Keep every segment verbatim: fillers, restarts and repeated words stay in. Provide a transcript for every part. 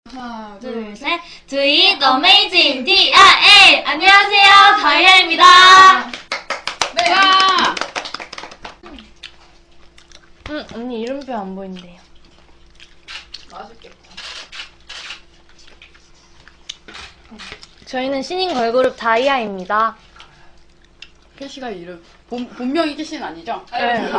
하나, 둘, 셋. Do it amazing. D I A. 안녕하세요. 다이아입니다. 네. 야! 응, 언니 이름표 안 보인대요. 맛있겠다. 저희는 신인 걸그룹 다이아입니다. 캐시가 이름 본, 본명이 캐시는 아니죠? 네.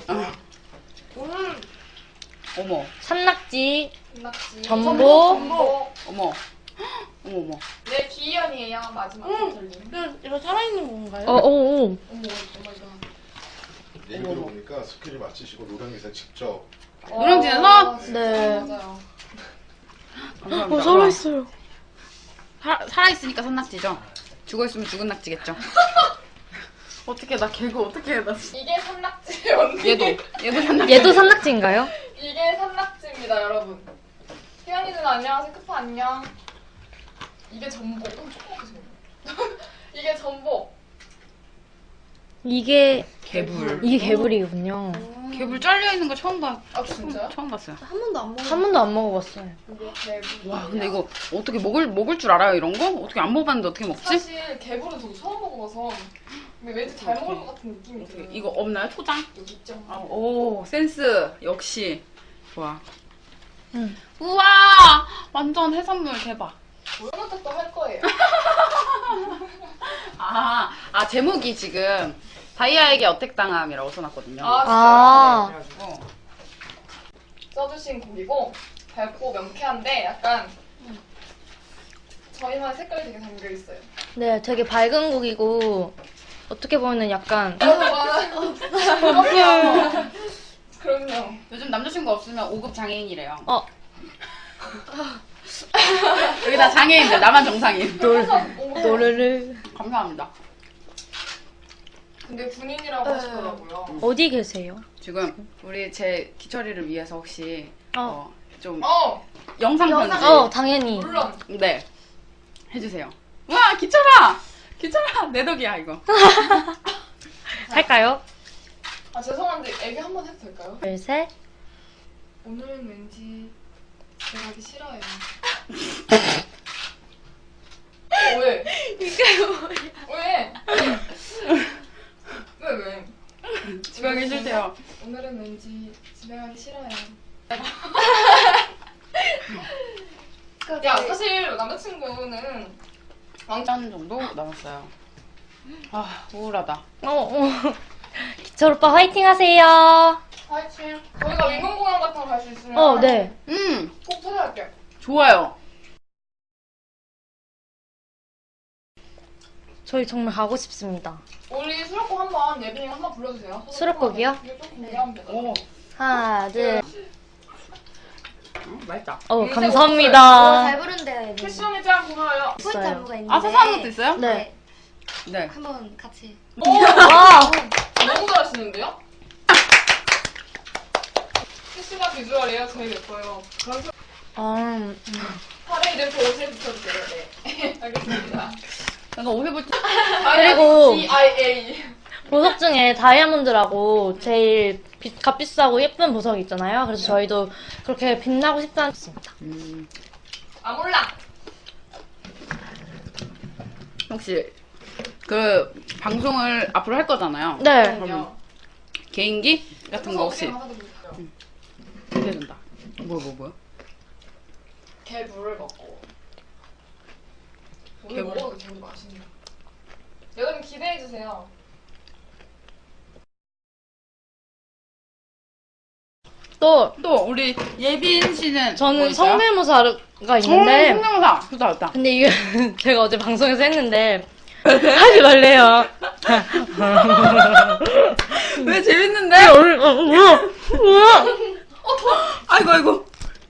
음, 어머 산낙지, 낙지. 전복. 전복. 어머 어머 어머 네, 기현이에요. 마지막 음. 이거 살아있는 건가요? 어, 어, 어. 어머, 어머, 이거. 얘기 들어보니까 스킬을 마치시고 노량에서 직접 노량진에서? 네. 맞아요. 감사합니다. 어, 살아있어요. 사, 살아있으니까 산낙지죠? 죽어있으면 죽은 낙지겠죠? 어떻게 나 개그 어떻게 해 나 이게 산낙지 언니. 얘도 얘도 산낙지 얘도 산낙지인가요? 이게 산낙지입니다, 여러분. 희연이 누나 안녕하세요. 크파 안녕. 이게 전복. 음, 조그맣게 생겼네. 이게 전복. 이게 개불 이게 개불이군요. 개불 잘려있는 거 처음 봐 아, 진짜요? 처음 봤어요. 한 번도 안 먹어. 한 번도 안 먹어봤어요. 이게 개불. 와 근데 이거 어떻게 먹을 먹을 줄 알아요 이런 거? 어떻게 안 먹어봤는데 어떻게 먹지? 사실 개불은 저도 처음 먹어봐서 근데 왠지 잘 먹을 것 같은 느낌이 어떻게, 들어요. 이거 없나요? 초장? 여기 있죠. 아, 오 센스 역시 좋아. 응. 우와 완전 해산물 대박. 우영한테도 할 거예요. 아, 아 제목이 지금 다이아에게 어택당함이라고 써놨거든요. 아, 아. 그래가지고 써주신 곡이고 밝고 명쾌한데 약간 저희만의 색깔이 되게 담겨 있어요. 네, 되게 밝은 곡이고 어떻게 보면은 약간 그럼요. 그럼요. 요즘 남자친구 없으면 오 급 장애인이래요. 어, 여기 다 장애인들, 나만 정상인. 노래를 감사합니다. 근데 군인이라고 하시더라고요. 어디 계세요? 지금 우리 제 기철이를 위해서 혹시 어. 어, 좀 어, 영상 편지 어, 당연히. 물론. 네 해주세요. 와 기철아, 기철아 내 덕이야 이거. 할까요? 아 죄송한데 애기 한 번 해도 될까요? 둘, 셋. 오늘은 왠지 제가 하기 싫어요. 왜? 이게 뭐야? 왜? 왜 왜? 집에 가기 싫대요. 오늘은 왠지 집에 가기 싫어요. 야 사실 남자친구는 왕짠 정도 남았어요. 아 우울하다. 어, 어. 기철 오빠 화이팅 하세요. 화이팅. 저희가 민공공연 같은 거 갈 수 있으면 어, 네. 음 꼭 찾아갈게요. 좋아요. 저희 정말 가고 싶습니다. 우리 수록곡 한번 예빈이가 한번 불러주세요. 수록곡이요? 이거 좀 공개하면 되잖아. 오 하나, 둘. 음, 맛있다. 어, 음, 감사합니다. 잘 부른대요, 얘는. 캐시언이 짱 고마워요. 포인트 있어요. 안무가 있는데. 아 사사한 것도 있어요? 네. 네. 한번 같이. 오! 와! 너무 잘하시는데요? 캐시가 비주얼이에요. 제일 예뻐요. 그럼 음, 팔에 이렇게 옷을 붙여주세요. 네. 알겠습니다. 내가 옷 해볼 때 그리고- D I A. 보석 중에 다이아몬드라고 제일 비, 값비싸고 예쁜 보석이 있잖아요. 그래서 저희도 그렇게 빛나고 싶다는 뜻입니다. 음, 아 몰라. 혹시 그 방송을 앞으로 할 거잖아요. 네. 그럼 개인기 같은 거 혹시 하나 더 보여주세요. 기대된다. 뭐 뭐 뭐? 개 물을 먹고. 오늘 개물. 먹어도 개물 맛있네. 여러분 기대해 주세요. 또 또 우리 예빈 씨는 저는 뭐 있어요? 성대모사가 있는데 어, 성대모사 좋다 좋다. 근데 이게 제가 어제 방송에서 했는데 하지 말래요. 왜 재밌는데? 어, 어, 뭐야? 뭐야? 아이고 아이고.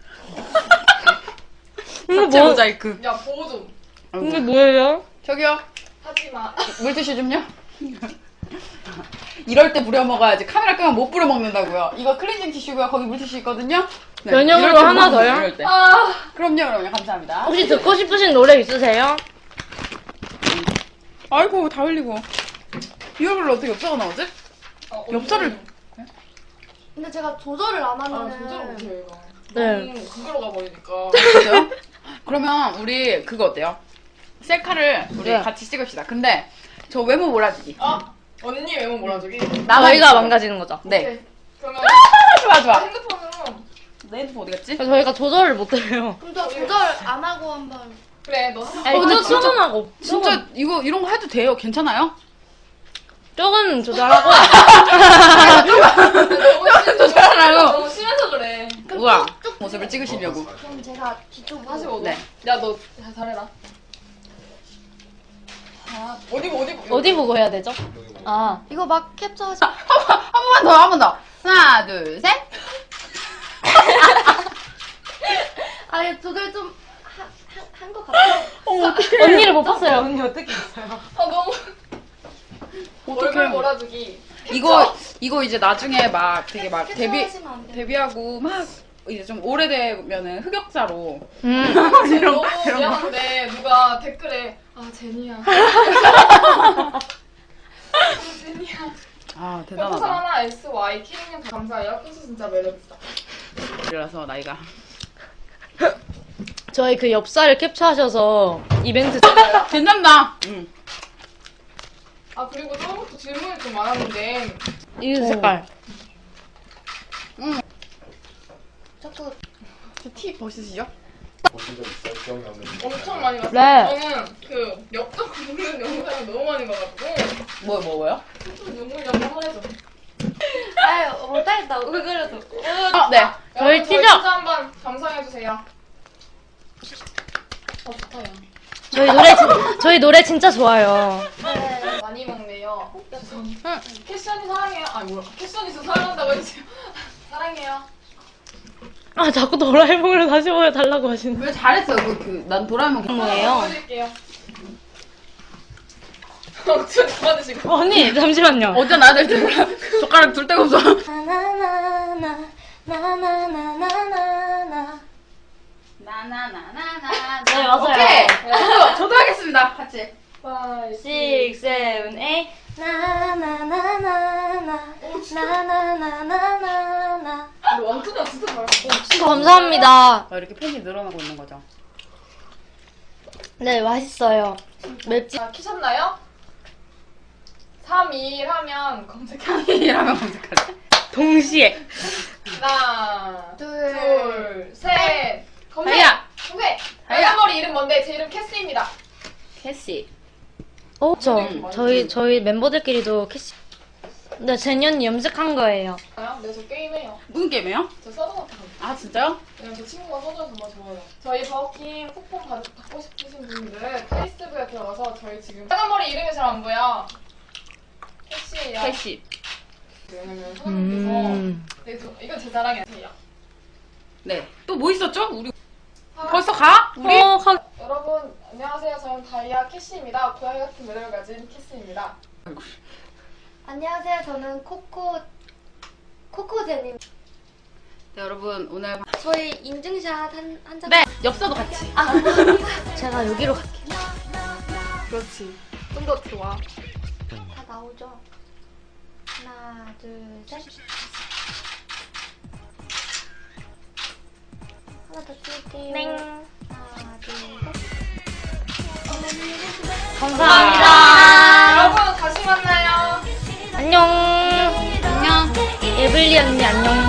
이거 자체 뭐? 모자이크. 야 보호 좀. 아이고. 이게 뭐예요? 저기요 하지 마. 물티슈 좀요. 이럴 때 부려 먹어야지. 카메라 끄면 못 부려 먹는다고요. 이거 클렌징 티슈고요. 거기 물티슈 있거든요. 네, 면역으로 이럴 때 하나 먹어요, 더요? 이럴 때. 아. 그럼요, 그럼요. 감사합니다. 혹시 듣고 싶으신 노래 있으세요? 아이고 다 흘리고. 이 얼굴로 어떻게 엽자가 나오지? 어, 엽서를- 근데 제가 조절을 안 아 하면은. 조절 못해요 이거. 네. 너무 그걸로 가버리니까. 진짜요? 그러면 우리 그거 어때요? 셀카를 우리 네. 같이 찍읍시다. 근데 저 외모 몰아주기. 아 언니 외모 몰아주기. 나만 저희가 있어요. 망가지는 거죠. 네. 오케이. 그러면 좋아 좋아. 핸드폰으로 내 핸드폰 어디 갔지? 저희가 조절을 못 해요. 그럼 저 조절 안 하고 한번. 그래 너 한- 아니, 근데 좀 진짜- 조금하고. 진짜 이거 이런 거 해도 돼요? 괜찮아요? 조금 조절하고. 너무 심해서 조절하라고. 너무 심해서 그래. 우와 모습을 찍으시려고. 그럼 제가 뒤쪽으로. 사십오 도. 네. 야너 잘해라. 아 어디 보 어디 보. 어디 보고 해야 되죠? 여기 뭐 아. 이거 막 캡처하시. 한 번만 더, 한 번 더. 하나, 둘, 셋. 아니 조절 좀한 것 같아요. 언니를 못 봤어요. 언니 어떻게 했어요? 아 너무 얼굴 어떡해. 몰아주기. 이거, 이거 이제 나중에 막 되게 막 데뷔, 캡처하시면 안 돼요. 데뷔하고 막 이제 좀 오래되면은 흑역사로. 음. 지금 이런 너무 거, 이런 거. 미안한데 누가 댓글에 아 제니야. 제니야. 아, 별풍선 대단하다. 하나 에스 와이 키링님 감사해요. 킹스 진짜 매력있다. 이라서 나이가. 저희 그 엽사를 캡처하셔서 이벤트. 괜찮다. 응. 아 그리고 처음부터 질문이 좀 많았는데 이 색깔. 자꾸 티 벗으시죠? 보신 적 있어요? 기억이 안 나는데. 엄청 많이 봤어요. 네. 저는 그 엽떡 굽는 영상을 너무 많이 봐가지고 뭐, 뭐, 뭐요? 좀 눈물 한번 해줘. 아유 못하겠다. 왜 그래도. 어, 네. 저희 여러분, 티저! 진짜 한번 감상해주세요. 어 좋다 야. 저희 노래 진- 저희 노래 진짜 좋아요. 네. 많이 먹네요. 죄송합니다. 응. 캐션이 사랑해요. 아니 뭐야 캐션이 저 사랑한다고 해주세요. 사랑해요. 아 자꾸 도라에몽을 다시 보여달라고 하시는. 왜 잘했어요? 그, 그, 난 도라에몽 괜찮아. 뭐예요? 보여드릴게요. 억지로 잡아주시고. 언니 잠시만요. 어디다 놔야 될지 몰라. 젓가락 둘 데가 없어. 나나나나 나나나나나나. 나나나나나. 네 맞아요. 오케이. 저도, 저도 하겠습니다. 같이. 파이브, six, seven, eight. 나나나나나나 나나나나나나. 근데 원투가 진짜 잘했어. 감사합니다. 아, 이렇게 팬이 늘어나고 있는 거죠. 네 맛있어요. 맵지. 자, 키셨나요? 삼, 이, 일 하면 검색해. 이라면 검색하래. 동시에. 하나, 둘. 둘, 셋. 검색! 다이아! 검색! 다이아! 빨간머리 이름 뭔데? 제 이름 캐스입니다. 캐시. 어, 저 음. 저희 저희 멤버들끼리도 캐시. 네, 제년이 염색한 거예요. 네, 저 게임해요. 무슨 게임이에요? 저 서든어택. 아, 진짜요? 왜냐면 저 친구가 서든을 정말 좋아해요. 저희 버킹 쿠폰 받, 받고 싶으신 분들은 페이스북에 들어가서 저희 지금 빨간머리 이름이 잘 안 보여. 캐시예요. 캐시. 왜냐면 선생님께서 음. 네, 저, 이건 제 자랑이 아니에요. 네. 또 뭐 있었죠? 우리 아, 벌써 가? 우리? 어, 가... 여러분 안녕하세요. 저는 다이아 캐시입니다. 고양이 같은 매력을 가진 캐시입니다. 안녕하세요. 저는 코코 코코제니. 네, 여러분 오늘 저희 인증샷 한 한 장. 네 엽서도 같이. 아, 제가 여기로 갈게요. 그렇지. 좀 더 좋아. 다 나오죠. 하나, 둘, 셋. 하나 더 찍을게요. 땡. 하나, 둘, 셋. 감사합니다. 여러분 다시 만나요. 안녕. 안녕. 에블리 언니 안녕.